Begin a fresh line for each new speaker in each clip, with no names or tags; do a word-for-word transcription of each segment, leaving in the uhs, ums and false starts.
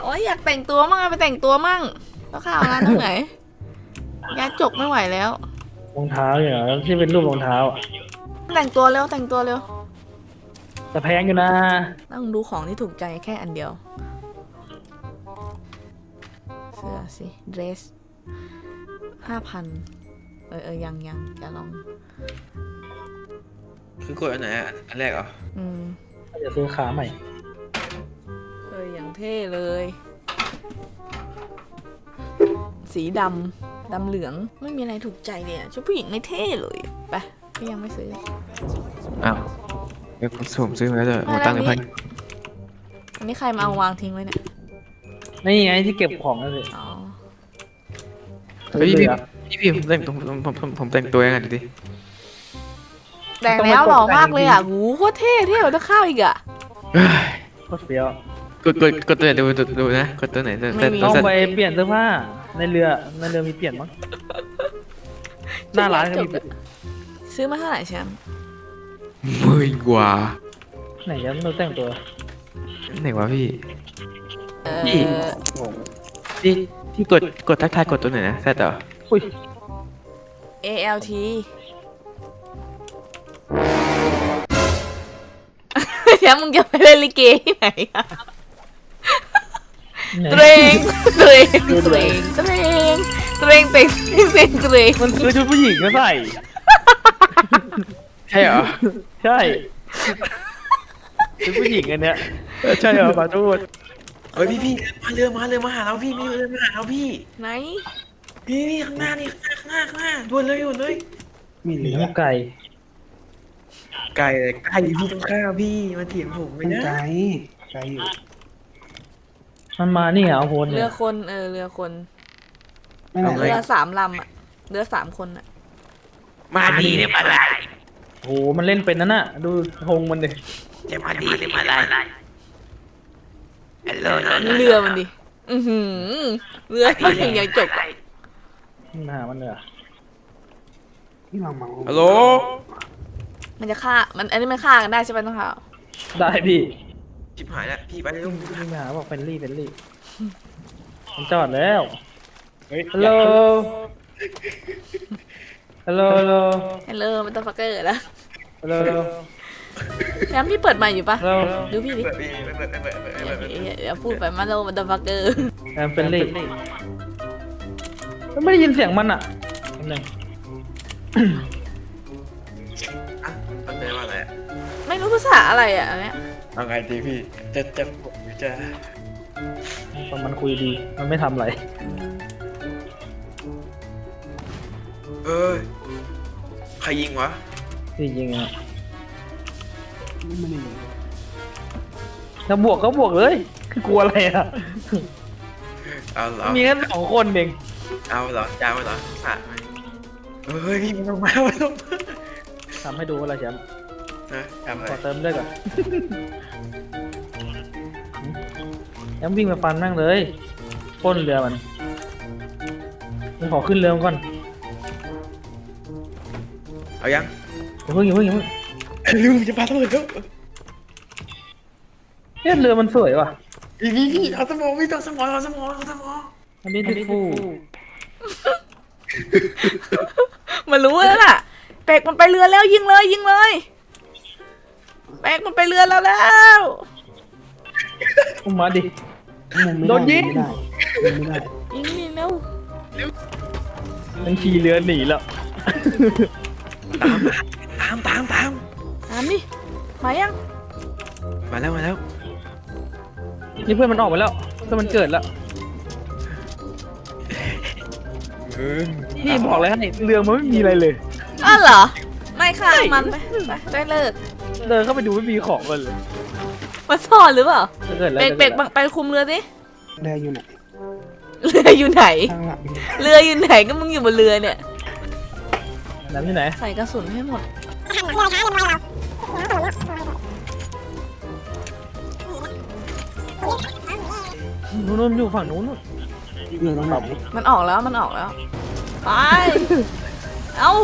โอ้ยอยากแต่งตัวมั่งไปแต่งตัวมั่งแล้วข้าวงานตรงไหนยาจกไม่ไหวแล้ว
รองเท้าเหรอที่เป็นรูปรองเท้าอ่ะ
แต่งตัวเร็วแต่งตัวเร็ว
แต่แพงอยู่นะ
ต้องดูของที่ถูกใจแค่อันเดียวเสื้อสิเดรสห้าพันเออเออยังยังจะลอง
คือกดอันไหนอ่ะอันแรกเหรอ
อืม
จะซื้อขาใหม่
เอออย่างเท่เลยสีดำดำเหลืองไม่มีอะไรถูกใจเลยอ่ะชุดผู้หญิงไม่เท่เลยไปพี่ยังไม่ซื้อ
อ้าวเดี๋ยวผมสุ่มซื้อมาแล้วเด้อหมดตังค์เลยพัน
อันนี้ใครมาเอาวางทิ้งไว้เนี่ย
นี่ไงที่เก็บของนั่นสิ
อ๋อ
เฮ้ยพี่พี่พี่ผมแต่งผมผมผมผมแต่งตัวยังไงดูดิ
แต่งแล้วหล่อมากเลยอ่ะหูโคตรเท่เท่กว่าตะข้าวอีกอ่ะ
โคตรเฟี้ยว
กดกดกดตัวไหนดูดูนะกดตัวไหน
ต้องไปเปลี่ยนเสื้อผ้าในเรือในเรือมีเปลี่ยนมั้งหน้าร้านก็มี
ซื้อมาเท่าไหร่แชมป์
หมื่นกว่า
ไหนยังเราแต่งตัว
ไหนวะพี่พี่ที่ที่กดกดทักทายกดตัวไหนนะแซ่ต่อ
อุ้ย
เอ แอล ที แชมป์มึงจะไปเล่นลิเกที่ไหนอะเตรงเตรงเตรงเตรงเตรงเตรงเตรงเตรง
มันคือชุดผู้หญิงก็ใส่
ใช่เหรอ
ใช่ชุดผู้หญิงอันเนี้ยใช่เหรอขอโทษ
เฮ้ยพี่พี่มาเรือมาเรือมาหาเราพี่มีเรือมาหาเราพี่
ไหน
นี่นี่ข้างหน้านี่ข้างหน้าข้างหน้าด่วนเลยด่วนเลย
มีเนื้อไก่
ไก่ไก่พี่ต้องข้าวพี่มาเถียงผมไม่ได้
ไก่ไก่อยู่
มันมานี่เหรอโหน
เรือคนเออเรือคนเรือสามลำอ่ะเรือสามคนอ่ะ
มาดีเนี่ยมาได้
โหมันเล่นเป็นนั่นน่ะดูธงมันดิ
จะมาดีเนี่ยมาได้
เรือมันดิอือหือเรือมันยังจบอ่ะ
หามันเลย
ที่เราเมา
ฮัลโหล
มันจะฆ่ามันอันนี้มันฆ่ากันได้ใช่ไหมต้องข่าว
ได้พี่
ชิบหายแล้วพี่ไปเลยลุง
พี่มาหาบอกเฟรนลี่เฟรนลี่มันจอดแล้วฮัลโหลฮัลโหลฮัลโหล
ฮัลโหลมันต้องฟักเกอร์แล้ว
ฮัลโหล
แชมป์พี่เปิดใหม่อยู่ปะดูพี่ดิ
เ
ดี๋ยวพูดไปมาโลมันต้องฟักเกอร์
แอมเฟรนลี่ไม่ได้ยินเสียงมันอ่ะนึง
มันเป็นว่าอะไร
ไม่รู้ภาษาอะไรอ่ะอันเนี้ย
เอาไงดีพี่จะจะจะ
ตอนมันคุยดีมันไม่ทำอะไร
เออใครยิงวะ
พี่ยิงอ่ะถ้าบวกก็บวกเลยคือกลัวอะไรอ่ะ
เอาเหรอ
มีแค่สองคนเอง
เอาเหรอจ้าเหรอขาดไหมเฮ้ยพี่มันต้องมามันต้อง
ทำให้ดูว่าอะไรแชมป์ขอเติมด้วยก่อนแชมป์วิ่งมาฟันนั่งเลยพ่นเรือมันมึงขอขึ้นเรือก่อน
เอายัง
อย่าเพิ่งอย่าเพิ่งอย่าเพิ่ง
ลืมจะปาระเบิดแล้ว
เนี่ยเรือมันสวยว่ะ
พี่พี่เอาสมองพี่ต้องสมองเอาสมองเอาสมอง
อันนี้ดิฟู
มันรู้แล้วล่ะเป็กมันไปเรือแล้วยิงเลยยิงเลยเป็กมันไปเรือแล้วแล้ว
อุ้มมาดิโดนยิง
ไม่ได้
ยิงนี่เร็ว
มันขี่เรือหนีแล้ว
ตามตามตาม
ตามดิมายัง
มาแล้วมาแล้ว
นี่เพื่อนมันออกมาแล้วเพื่อนมันเกิดแล้วนี่บอกเลยให้เรือมันไม่มีอะไรเลย
อ้าวเหรอไม่ค่ะมันไปไปเลิก
เดินเข้าไปดูไม่มีของกันเลย
มาซ่อนหรือเปล่าเป็กเป็กไปคุมเรือสิ
เรืออยู่ไหน
เรืออยู่ไหนเรืออยู่ไหนก็มึงอยู่บนเรือเนี่ย
น้ำที่ไหน
ใส่กระสุนให้หมด
นู้นอยู่ฝั่งนู้น
เรือตรงไหน
มันออกแล้วมันออกแล้วไปเอ้า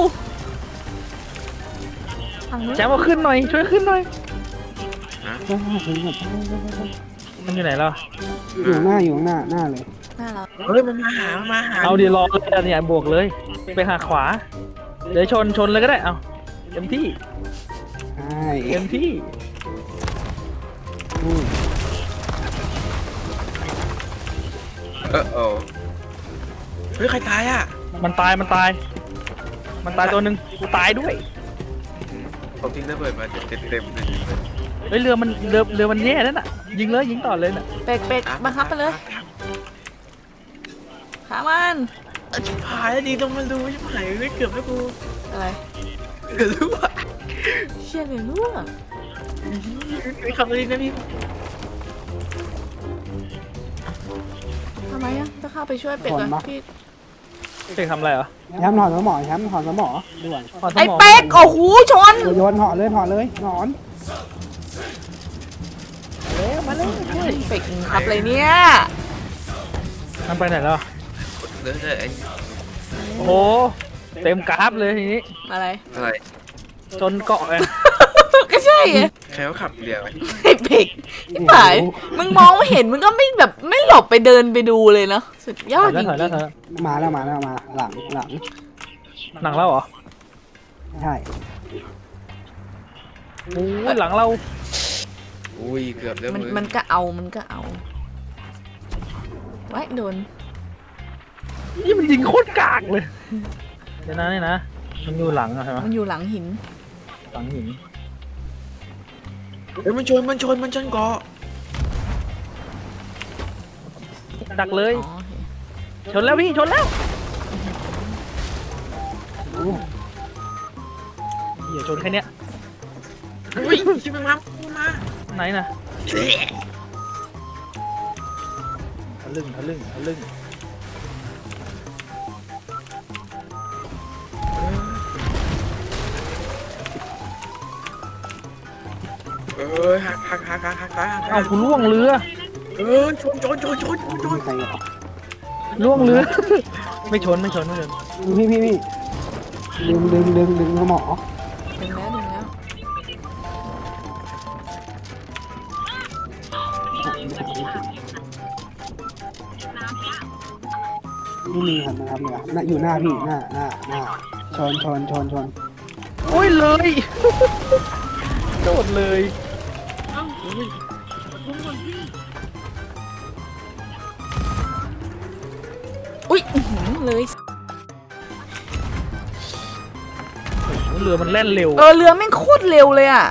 แชมป์เอาขึ้นหน่อยช่วยขึ้นหน่อยมันอยู่ไหนล่ะ
อยู่ข้างหน้าอยู่ข้างหน้าหน้าเลย
หน้าเรา
เฮ้ยมันมาหามันมาหา
เอาดีรอเลยอะเนี่ยบวกเลย ไปหาขวา เดี๋ยวชนชนเลยก็ได้เอาเต็มที่
ใช่
เต็มที่
อืม
เออโอ้เฮ้ยใครตายอ่ะ
มันตายมันตาย มันตายตัวหนึ่งกูตายด้วย
ผมทิ้งระเบิดมาเต็มเต็มเลย
เฮ้ยเรือมันเรือเรือมันแย่นั่นน่ะ ยิงเลยยิงต่อเลยน่ะ
เป็กเป็กบังคับไปเลยขามัน
ชิบหายแล้วดีต้องมาดูชิบหายไม่เกือบแล้วกู
อะไร
เกือบรู้ว่า
เชี่ยเลยลูก
ไม่คำนี้นะพี่
ทำไมอ่ะจะเข้าไปช่วยเป็กเหรอพี่
เจ๊ทำอะไรเหรอ
แชมป์ถอนสมอแชมป์ถอนสมอด่วน
ถอนสม
ไอ้
ง
เป็กโอ้โหชน
โยนถอนเลยถอนเลยถอน
มาเลยมาเลย
เป็กขับเลยเนี่ย
มันไปไหนแล้ว
เดี๋ยวเดี๋ยวไอ้
โอ้โห เต็มกราฟเลยทีนี้
อะไร
อะไร
จนเกาะเลย
ก็ใช่ไง
ใครเขาขับเรือไป
ไอ้เป็กไอ้ผายมึงมองไม่เห็นมึงก็ไม่แบบไม่หลบไปเดินไปดูเลยเนาะสุดยอ
ถอ
ด
ย
จ
แล้ว
ริง
ถอยแล้วถอยแล้ว
มาแล้วมาแล้วมาหลังหลัง
หนังเราเหรอ
ใช่
โอ้ยหลังเรา
อุ้ยเกือบแล้ว
ๆมัน
มึง
มันก็เอามันก็เอาไว้โดน
นี่มันยิงโคตรกากเลย เดี๋ยวนะนี่นะ มันอยู่หลังอะใช่ไหม
มันอยู่หลังหิน
หลังหิน
เฮ้ยมันชนมันชนมันชนเกาะ
ดักเลย
อ๋อโอเค
ชนแล้วพี่ชนแล้ว
โอ้
เดี๋ยวชนแค่เนี้ย
อุ้ยชิบมันมามันมา
ไหนนะทะลึ่งทะลึ่งทะลึ่ง
เออหักหักหักหักหักหักหัก
เอ้ากูล่วงเรือ
เออชนชนชนชนชนชน
ใครอ่ะ
ล่วงเรือ ไม่ชนไม่ชนไม่ชน
พี่พี่พี่ดึงดึงดึงดึงสมอ
ดึงแล้วดึงแล้ว
ไม่มีครับนะครับเนี่ยน่ะอยู่หน้าพี่หน้าหน้าหน้าชนชนชนชน
โอ้ยเลย โดดเลย
อุ้ยอื้อหือเลย
โอ้โหเรือมันแล่นเร็ว
เออเรือแม่งโคตรเร็วเลยอ่ะ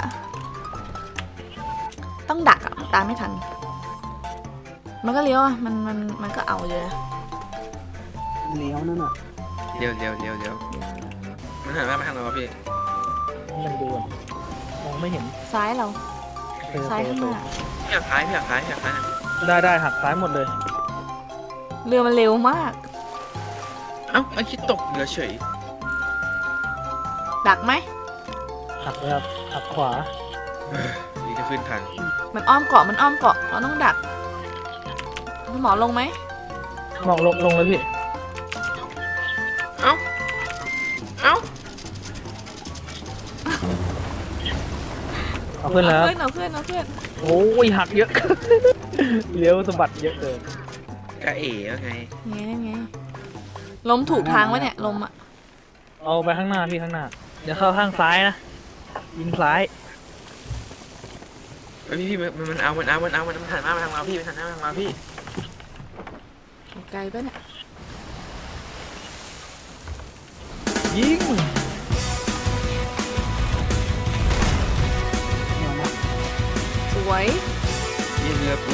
ต้องดักอ่ะตามไม่ทัน มันก็เลี้ยวอ่ะมันมันมันก็เอาเลยอะ
เลี้ยวนั่นน่ะ
เร็วเร็วเร็วเร็วมันหันมาไม่ทางเราพี่
มันดูอะมองไม่เห็น
ซ้ายเรา
เออ
ซ้ายข้างหน้า
พี่อยากท้ายพี่อยากท้ายพี่อยากท้าย
ได้ได้หักซ้ายหมดเลย
เรือมันเร็วมาก
เอ้าไอ้คิดตกเรือเฉย
ดักไหม
หักเลยครับหักขวา
นี่จะขึ้นทัน
มันอ้อมเกาะมันอ้อมเกาะเราต้องดักหมอลงไหม
มองลงลงเลยพี่
เอ้าเอ้า
เอาขึ้นแล้ว
เอาขึ้นเอาขึ้นเอาขึ้น
โอ้ยหักเยอะ เลี้ยวสะบัดเยอะเกิน
กะเอ๋แล้วไง
ไงนั่นไงลมถูกทางวะเนี่ยลมอ่ะ
เอาไปข้างหน้าพี่ข้างหน้า เดี๋ยวเข้าข้างซ้ายนะ ยิงซ้าย
เฮ้ยพี่พี่มันมันเอามันเอามันเอามันมันหันมาทางเราพี่มันหันหน้ามาทางเราพี่
ไกลปะเนี่ย
ยิง
เดี๋ยวนะ
สวย
ยิงเรือกู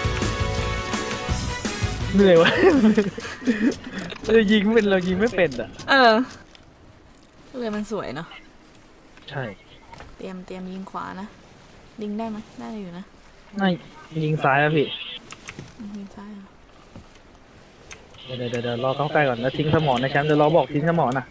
เหนื่อยวะ เรายิงไม่เป็นเรายิงไม่เป็นอ่ะ
เออเรือมันสวยเนาะ
ใช่
เตรียมเตรียมยิงขวานะยิงได้ไหมได้อยู่นะ
น่ายิงซ้ายแล้วพี่
อืมยิงซ้ายเหรอ
เดี๋ยวเดี๋ยวเดี๋ยวรอเข้าใกล้ก่อนแล้วทิ้งสมอนะแชมป์เดี๋ยวรอบอกทิ้งสมอนะ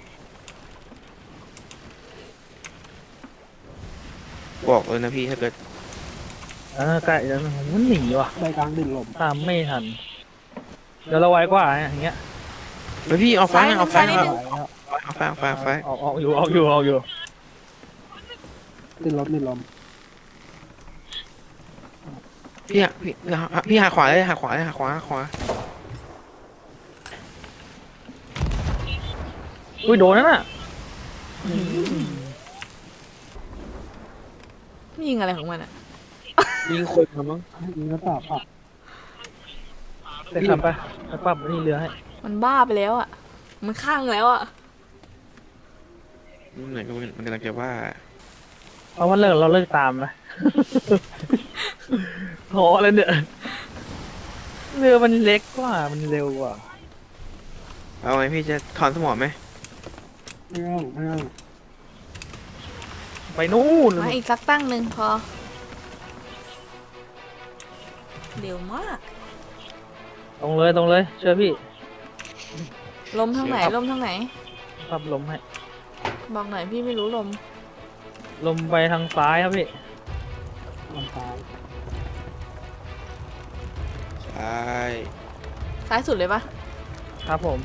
บอกเลยนะพี่ถ้าเกิด
เออใกล้แล้วมันหนีว่ะ
ใบกลางดึงลม
ตามไม่ทัน เดี๋ยวเราไวกว่าอย่างเงี้ย
เฮ้ยพี่เอาไฟ
ซ้าย
เอาไฟ
ซ้ายนิด
เอา
นึง
เอาไฟเอาไฟเอาไฟ
ออกออกอยู่ออกอยู่ออกอยู่
ดึงลมดึงลม
พี่อะพี่พี่หักขวาเลยหักขวาเลยหักขวาหักขวา
อุ้ยโดนนั่นน่ะ
ไม่ยิงอะไรของมันอ่ะ
ยิงคนมามั้ง
ยิงกระต่ายผัก
ไปขับไปไปปรับนี่เรือให้
มันบ้าไปแล้วอ่ะ มันข้างแล้วอ่ะ
มันเหมือนมันมันกำลังจะว่า
เพราะว่าเลิกเราเลิกตามนะ พอแล้วเนี่ยเรือมันเล็กกว่ามันเร็วกว่า
เอาไงพี่จะถอนสมองไหม
ไม่ต้องไม่ต้อง
ไปนู่น
มาอีกสักตั้งหนึ่งพอ เร็วมาก
ตรงเลยตรงเลยเชื่อพี่
ลมทางไหน ลมทางไหน
ปรับลมให้
บอกหน่อยพี่ไม่รู้ลม
ลมไปทางซ้ายครับพี่
ลำตาย
ใช่
ซ้ายสุดเลยปะ
ครับผม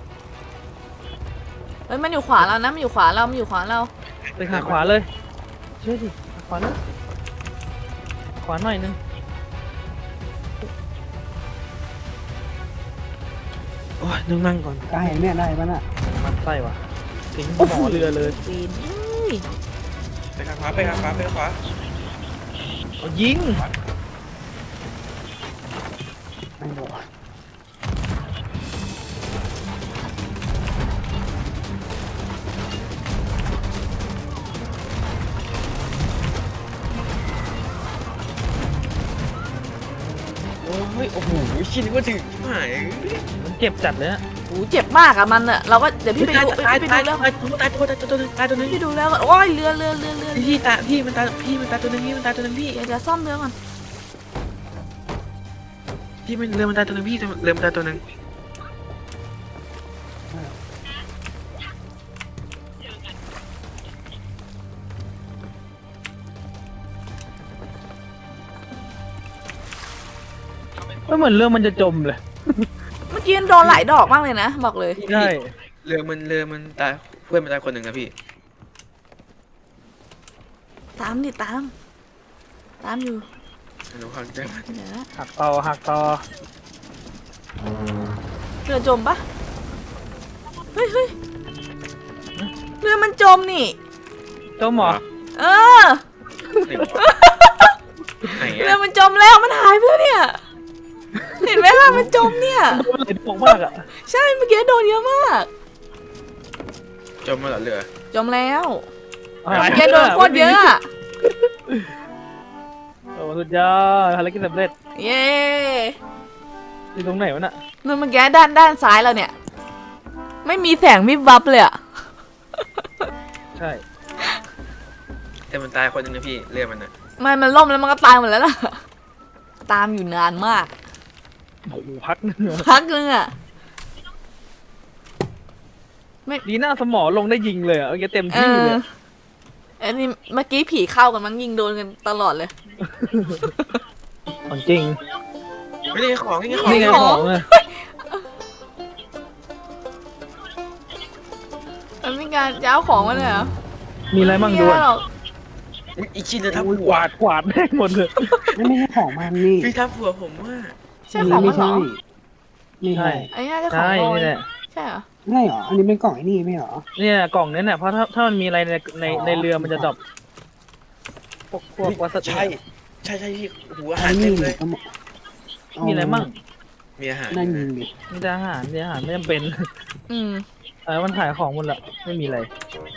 เฮ้ยมันอยู่ขวาเรานะ มันอยู่ขวาเรา มันอยู่ขวาเรา
ไปหักขวาเลยเชื่อดิหักขวาเลยขวาหน่อยนึง
โอ้ยนั่งนั่งก่อน
ได้เนี่ยได้ปะน่ะ
มันไส้ว่ะทิ้งหมอเรือเลย
ปีนเฮ้ย
ไปทางขวาไปทางขวาไปทางขวา
เอายิง
ไม่โดน
โอ้ยโอ้โหชินก็ถึงหาย
มันเจ็บจัดเลยนะ
โอ้เจ็บมากอะมันอะเราก็เดี๋ยวพี่ไปดู
ตาย
พี่ไป
ตาย
ดูแล้ว
ตายตายตัวตายตัวนึงตายตัวนึง
พี่ดูแล้วก่อนโอ้ยเรือเรือเรือเรือ
พี่ตาพี่มันตายพี่มันตายตัวนึงพี่มันตายตัวนึงพี่
เดี๋ยวเดี๋ยวซ่อมเรือก่อน
พี่มันเรือมันตายตัวนึงพี่เรือมันตายตัวนึง
ไม่เหมือนเรือมันจะจมเลย
เมื่อกี้มันโดนหลายดอกมากเลยนะ บอกเลย
ใช่
เรือมันเรือมันตายเพื่อนมันตายคนหนึ่งนะพี่
ตามดิตาม ตามอยู่
หนูเข้าใจมัน
เดี๋ยวนะ
หักต่อหักต่อ
เรือจมปะเฮ้ยเฮ้ยเรือมันจมนี่
จมเหรอ
เออ
ไหนวะไหน
เรือ
อะ
มันจมแล้วมันหายไปแล้วเนี่ย เห็นไหมล่ะมันจมเนี่ย
โดนไหลดวงมากอ่ะ
ใช่เมื่อกี้โดนเยอะมาก
จมมาเหรอเรือ
จมแล้ว
หาย
เมื่อกี้โดนโคตรเยอะอะ
โอ้สุดยอดภารกิจสำเร็จ
เย้
อยู่ตรงไหนวะน่ะ
นู่นเมื่อกี้ด้านด้านซ้ายเราเนี่ย ไม่มีแสงวิบวับเลยอะ
ใช่
แต่มันตายคนหนึ่งนะพี่เรือมันอะ
ไม่มันล่มแล้วมันก็ตายหมดแล้วล่ะ ตามอยู่นานมาก
โอ้โหพักหนึงอะ
พักนึงอะ
ดีหน้าสมอลงได้ยิงเลยอ่ะเมื่อกี้เต็ม
เอ
ที่เล
อย อันนี้เมื่อกี้ผีเข้ากันมั้งยิงโดนกันตลอดเลย
ของจริง
ไม่ได้ของนี่ไงของ
นี่ไง
ของ
ของเลย
มันมีการย้าวของมาเลยเหรอ
มีอะไรมั่ง
ไม่
ด้
มี
วย
อะไรหรอก
อุ๊ยอีชินจะทับ
อุ้ย
หั
ก
ว
วาดกวาดแม่งหมดเลย
ไม่ไม่ใช่ของมันนี่
พี่ทับหัวผมว่า
ใช่ของ
ไม่
มันเหร
ใช่
อ
นี่
ใช่
ใช่
อันนี้น่าจะของ
ใช่
โรย
นี่แหละ
ใช่เหรอ
ไม่เหรออันนี้เป็นกล่องไอ้นี่ไม่เหรอ
เนี่ยกล่องนี้เนี่ยเพราะถ้าถ้ามันมีอะไรในใน
อ๋อ
ในเรือมันจะดรอปพวกพวกวัสดุ
ใช่ใช่ใช่พี่หัวอาหา
อั
ร
น
เต็
นี้
มเลย
ก็เหมาะ
มีอะไรมั่ง
มีอาหาร
นั่นยิงดิ
มีแต่อาหารมีอาหารไม่จำเป็น
อืม
เออมันขายของหมดละไม่มีอะไร